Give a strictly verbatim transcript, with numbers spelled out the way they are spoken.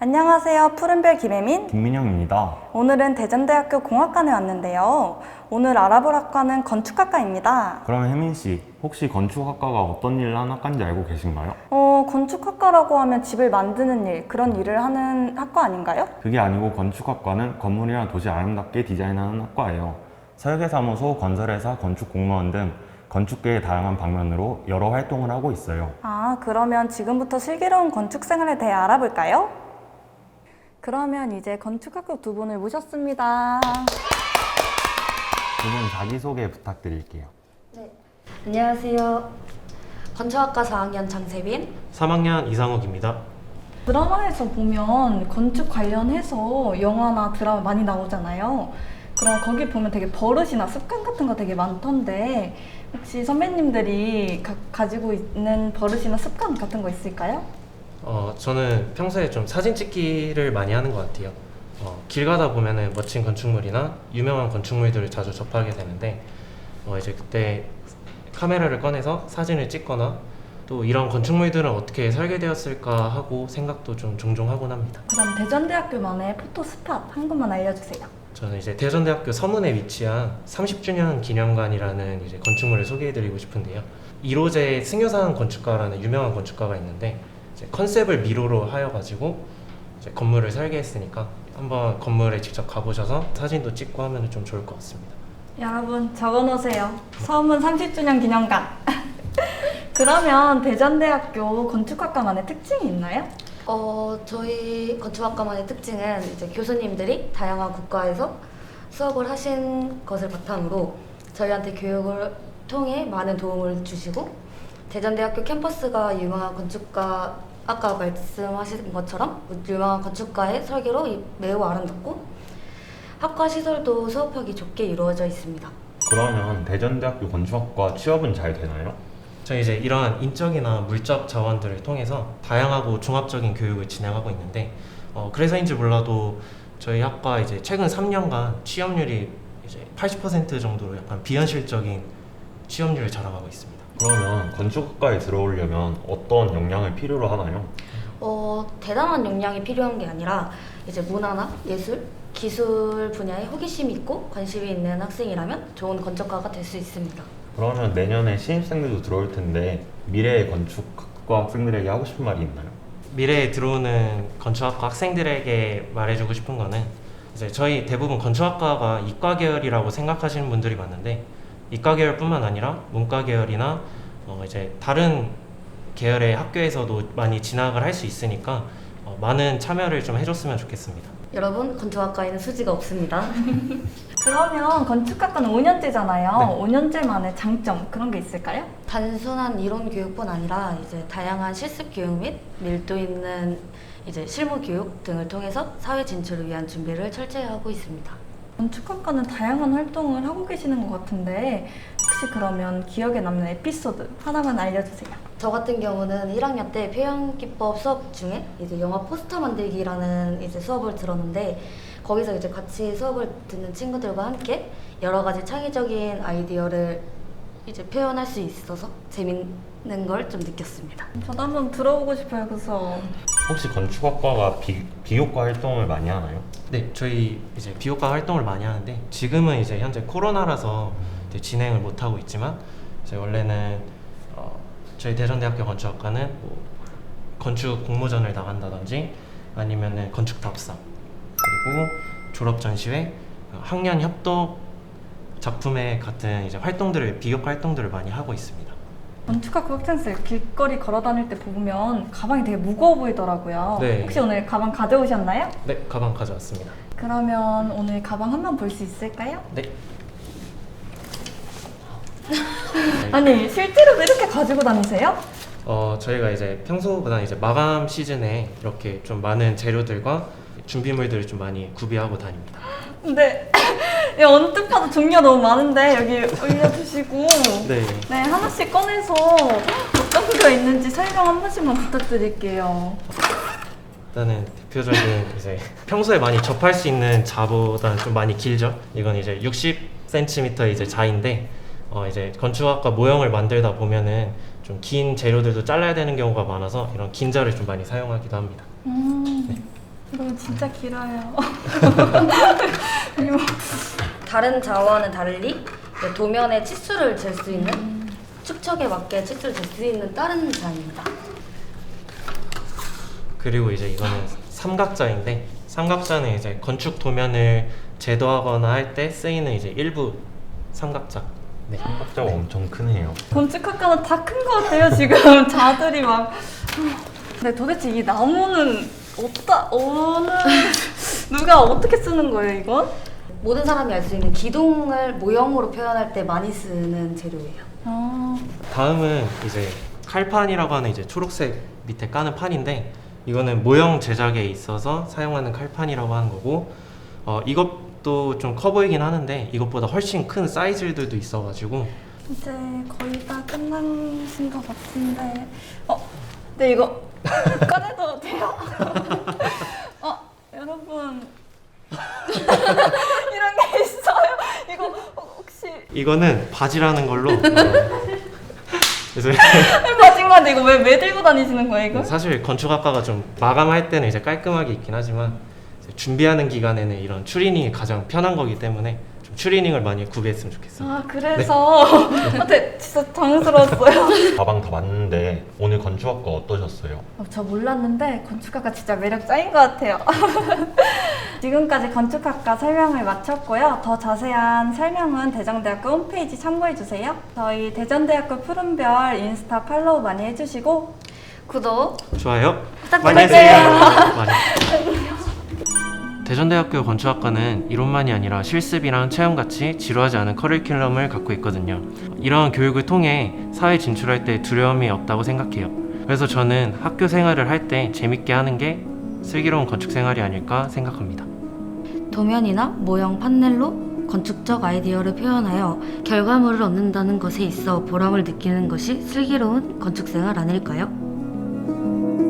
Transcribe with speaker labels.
Speaker 1: 안녕하세요. 푸른별 김혜민.
Speaker 2: 김민영입니다.
Speaker 1: 오늘은 대전대학교 공학관에 왔는데요. 오늘 알아볼 학과는 건축학과입니다.
Speaker 2: 그러면 혜민 씨, 혹시 건축학과가 어떤 일을 하는 학과인지 알고 계신가요?
Speaker 1: 어, 건축학과라고 하면 집을 만드는 일, 그런 일을 하는 학과 아닌가요?
Speaker 2: 그게 아니고 건축학과는 건물이나 도시 아름답게 디자인하는 학과예요. 설계사무소, 건설회사, 건축공무원 등 건축계의 다양한 방면으로 여러 활동을 하고 있어요.
Speaker 1: 아, 그러면 지금부터 슬기로운 건축 생활에 대해 알아볼까요? 그러면 이제 건축학과 두 분을 모셨습니다.
Speaker 2: 두 분 자기소개 부탁드릴게요.
Speaker 3: 네. 안녕하세요. 건축학과 사 학년 장세빈.
Speaker 4: 삼 학년 이상욱입니다.
Speaker 1: 드라마에서 보면 건축 관련해서 영화나 드라마 많이 나오잖아요. 그럼 거기 보면 되게 버릇이나 습관 같은 거 되게 많던데 혹시 선배님들이 가, 가지고 있는 버릇이나 습관 같은 거 있을까요?
Speaker 4: 어, 저는 평소에 좀 사진 찍기를 많이 하는 것 같아요. 어, 길 가다 보면은 멋진 건축물이나 유명한 건축물들을 자주 접하게 되는데 어, 이제 그때 카메라를 꺼내서 사진을 찍거나 또 이런 건축물들은 어떻게 설계되었을까 하고 생각도 좀 종종 하곤 합니다.
Speaker 1: 그럼 대전대학교만의 포토 스팟 한 번만 알려주세요.
Speaker 4: 저는 이제 대전대학교 서문에 위치한 삼십 주년 기념관이라는 이제 건축물을 소개해드리고 싶은데요. 이로제 승효상 건축가라는 유명한 건축가가 있는데 이제 컨셉을 미로로 하여가지고 이제 건물을 설계했으니까 한번 건물에 직접 가보셔서 사진도 찍고 하면 좀 좋을 것 같습니다.
Speaker 1: 여러분 적어놓으세요. 서문 삼십 주년 기념관. 그러면 대전대학교 건축학과만의 특징이 있나요?
Speaker 3: 어, 저희 건축학과만의 특징은 이제 교수님들이 다양한 국가에서 수업을 하신 것을 바탕으로 저희한테 교육을 통해 많은 도움을 주시고 대전대학교 캠퍼스가 유명한 건축가 아까 말씀하신 것처럼 유명한 건축가의 설계로 매우 아름답고 학과 시설도 수업하기 좋게 이루어져 있습니다.
Speaker 2: 그러면 대전대학교 건축학과 취업은 잘 되나요?
Speaker 4: 저희 이제 이러한 인적이나 물적 자원들을 통해서 다양하고 종합적인 교육을 진행하고 있는데 어, 그래서인지 몰라도 저희 학과 이제 최근 삼 년간 취업률이 이제 팔십 퍼센트 정도로 약간 비현실적인 취업률을 자랑하고 있습니다.
Speaker 2: 그러면 건축학과에 들어오려면 어떤 역량을 필요로 하나요?
Speaker 3: 어, 대단한 역량이 필요한 게 아니라 이제 문화나 예술, 기술 분야에 호기심이 있고 관심이 있는 학생이라면 좋은 건축가가 될 수 있습니다.
Speaker 2: 그러면 내년에 신입생들도 들어올 텐데 미래의 건축학과 학생들에게 하고 싶은 말이 있나요?
Speaker 4: 미래에 들어오는 건축학과 학생들에게 말해주고 싶은 거는 이제 저희 대부분 건축학과가 이과 계열이라고 생각하시는 분들이 많은데 이과 계열뿐만 아니라 문과 계열이나 어 이제 다른 계열의 학교에서도 많이 진학을 할 수 있으니까 어 많은 참여를 좀 해줬으면 좋겠습니다.
Speaker 3: 여러분, 건축학과에는 수지가 없습니다.
Speaker 1: 그러면 건축학과는 오 년제잖아요.
Speaker 4: 네.
Speaker 1: 오 년제만의 장점 그런 게 있을까요?
Speaker 3: 단순한 이론 교육뿐 아니라 이제 다양한 실습 교육 및 밀도 있는 이제 실무 교육 등을 통해서 사회 진출을 위한 준비를 철저히 하고 있습니다.
Speaker 1: 건축학과는 다양한 활동을 하고 계시는 것 같은데 혹시 그러면 기억에 남는 에피소드 하나만 알려주세요.
Speaker 3: 저 같은 경우는 일 학년 때 표현기법 수업 중에 이제 영화 포스터 만들기라는 이제 수업을 들었는데 거기서 이제 같이 수업을 듣는 친구들과 함께 여러 가지 창의적인 아이디어를 이제 표현할 수 있어서 재밌는 걸 좀 느꼈습니다.
Speaker 1: 저도 한번 들어보고 싶어요, 그 수업.
Speaker 2: 혹시 건축학과가 비, 비교과 활동을 많이 하나요?
Speaker 4: 네, 저희 이제 비교과 활동을 많이 하는데 지금은 이제 현재 코로나라서 이제 진행을 못 하고 있지만 이제 원래는 어, 저희 대전대학교 건축학과는 뭐 건축 공모전을 나간다든지 아니면은 건축 답사 그리고 졸업 전시회, 학년 협동 작품회 같은 이제 활동들을 비교과 활동들을 많이 하고 있습니다.
Speaker 1: 건축학과 학생들 길거리 걸어 다닐 때 보면 가방이 되게 무거워 보이더라고요.
Speaker 4: 네.
Speaker 1: 혹시 오늘 가방 가져오셨나요?
Speaker 4: 네, 가방 가져왔습니다.
Speaker 1: 그러면 오늘 가방 한번 볼 수 있을까요?
Speaker 4: 네.
Speaker 1: 아니 실제로도 이렇게 가지고 다니세요?
Speaker 4: 어, 저희가 이제 평소보다 이제 마감 시즌에 이렇게 좀 많은 재료들과 준비물들을 좀 많이 구비하고 다닙니다.
Speaker 1: 근데 이 언뜻 봐도 종류가 너무 많은데 여기 올려주시고
Speaker 4: 네.
Speaker 1: 네 하나씩 꺼내서 어떤 게 있는지 설명 한 번씩만 부탁드릴게요.
Speaker 4: 일단은 대표적인 이제 평소에 많이 접할 수 있는 자보다는 좀 많이 길죠. 이건 이제 육십 센티미터 이제 자인데 어 이제 건축학과 모형을 만들다 보면은 좀 긴 재료들도 잘라야 되는 경우가 많아서 이런 긴 자를 좀 많이 사용하기도 합니다.
Speaker 1: 음.
Speaker 4: 네.
Speaker 1: 이거 진짜 길어요.
Speaker 3: 다른 자와는 달리 이제 도면에 치수를 잴 수 있는 축척에 맞게 치수를 잴 수 있는 다른 자입니다.
Speaker 4: 그리고 이제 이거는 삼각자인데 삼각자는 이제 건축 도면을 제도하거나 할 때 쓰이는 이제 일부 삼각자. 네.
Speaker 2: 삼각자가 엄청 크네요.
Speaker 1: 건축학과는 다 큰 것 같아요, 지금. 자들이 막. 근데 도대체 이 나무는 어디다, 어느, 누가 어떻게 쓰는 거예요, 이건?
Speaker 3: 모든 사람이 알 수 있는 기둥을 모형으로 표현할 때 많이 쓰는 재료예요.
Speaker 1: 아,
Speaker 4: 다음은 이제 칼판이라고 하는 이제 초록색 밑에 까는 판인데 이거는 모형 제작에 있어서 사용하는 칼판이라고 하는 거고 어, 이것도 좀 커 보이긴 하는데 이것보다 훨씬 큰 사이즈들도 있어가지고
Speaker 1: 이제 거의 다 끝나신 것 같은데. 어, 근데 이거 꺼내도 돼요? 어, 여러분. 이런 게 있어요? 이거 혹시.
Speaker 4: 이거는 바지라는 걸로 어, 그래서
Speaker 1: 마지막에 이거 왜, 왜 들고 다니시는 거예요, 이거?
Speaker 4: 사실 건축학과가 좀 마감할 때는 이제 깔끔하게 있긴 하지만 이제 준비하는 기간에는 이런 추리닝이 가장 편한 거기 때문에 좀 추리닝을 많이 구비했으면 좋겠어요.
Speaker 1: 아, 그래서. 아, 네, 진짜 당황스러웠어요.
Speaker 2: 가방 다 봤는데 오늘 건축학과 어떠셨어요?
Speaker 1: 어, 저 몰랐는데 건축학과 진짜 매력 짱인 것 같아요. 지금까지 건축학과 설명을 마쳤고요. 더 자세한 설명은 대전대학교 홈페이지 참고해주세요. 저희 대전대학교 푸른별 인스타 팔로우 많이 해주시고
Speaker 3: 구독
Speaker 4: 좋아요.
Speaker 1: 부탁드릴게요.
Speaker 4: 많이 해주세요. 많이. 대전대학교 건축학과는 이론만이 아니라 실습이랑 체험같이 지루하지 않은 커리큘럼을 갖고 있거든요. 이러한 교육을 통해 사회 진출할 때 두려움이 없다고 생각해요. 그래서 저는 학교 생활을 할 때 재밌게 하는 게 슬기로운 건축 생활이 아닐까 생각합니다.
Speaker 3: 도면이나 모형 판넬로 건축적 아이디어를 표현하여 결과물을 얻는다는 것에 있어 보람을 느끼는 것이 슬기로운 건축생활 아닐까요?